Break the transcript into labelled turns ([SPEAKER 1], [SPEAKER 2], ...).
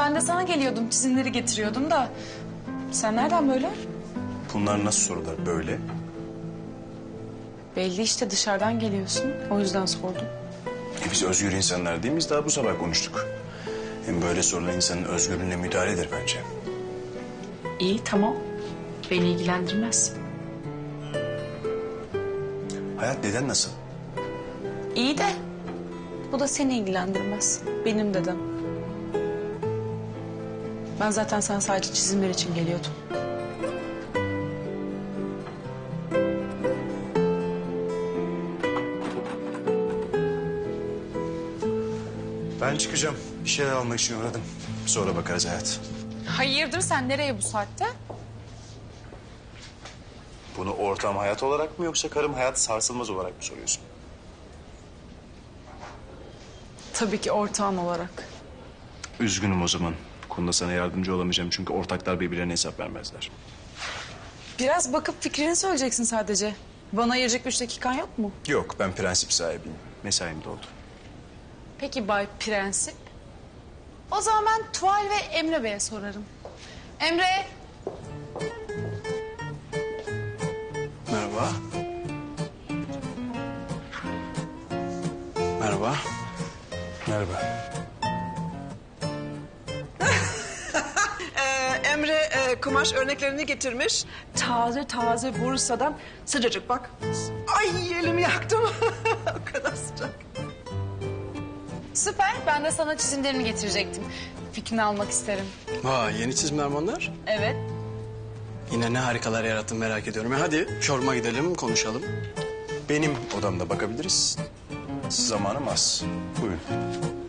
[SPEAKER 1] ben de sana geliyordum, çizimleri getiriyordum da. Sen nereden böyle?
[SPEAKER 2] Bunlar nasıl sorular böyle?
[SPEAKER 1] Belli işte dışarıdan geliyorsun, o yüzden sordum.
[SPEAKER 2] Biz özgür insanlar değil miyiz? Daha bu sabah konuştuk. Hem böyle sorular insanın özgürlüğüne müdahaledir bence.
[SPEAKER 1] İyi, tamam. Beni ilgilendirmez.
[SPEAKER 2] Hayat deden nasıl?
[SPEAKER 1] İyi de bu da seni ilgilendirmez. Benim dedem. Ben zaten sen sadece çizimler için geliyordum.
[SPEAKER 2] Ben çıkacağım. Bir şeyler almak için uğradım. Sonra bakarız Hayat.
[SPEAKER 1] Hayırdır, sen nereye bu saatte?
[SPEAKER 2] Bunu ortam hayat olarak mı yoksa karım hayat sarsılmaz olarak mı soruyorsun?
[SPEAKER 1] Tabii ki ortağın olarak.
[SPEAKER 2] Üzgünüm o zaman. Bu konuda sana yardımcı olamayacağım çünkü ortaklar birbirlerine hesap vermezler.
[SPEAKER 1] Biraz bakıp fikrini söyleyeceksin sadece. Bana ayıracak 3 dakikan yok mu?
[SPEAKER 2] Yok, ben prensip sahibiyim. Mesaim doldu.
[SPEAKER 1] Peki Bay Prensip. O zaman ben Tuval ve Emre Bey'e sorarım. Emre.
[SPEAKER 3] Merhaba. Merhaba.
[SPEAKER 2] Merhaba.
[SPEAKER 4] Emre kumaş örneklerini getirmiş. Taze taze Bursa'dan sıcacık bak. Ay elimi yaktım. O kadar sıcak.
[SPEAKER 1] Süper. Ben de sana çizimlerini getirecektim. Fikrini almak isterim.
[SPEAKER 3] Vay, yeni çizimler bunlar.
[SPEAKER 1] Evet.
[SPEAKER 3] Yine ne harikalar yarattın merak ediyorum. Hadi şorma gidelim, konuşalım.
[SPEAKER 2] Benim odamda bakabiliriz. Zamanım az. Buyurun.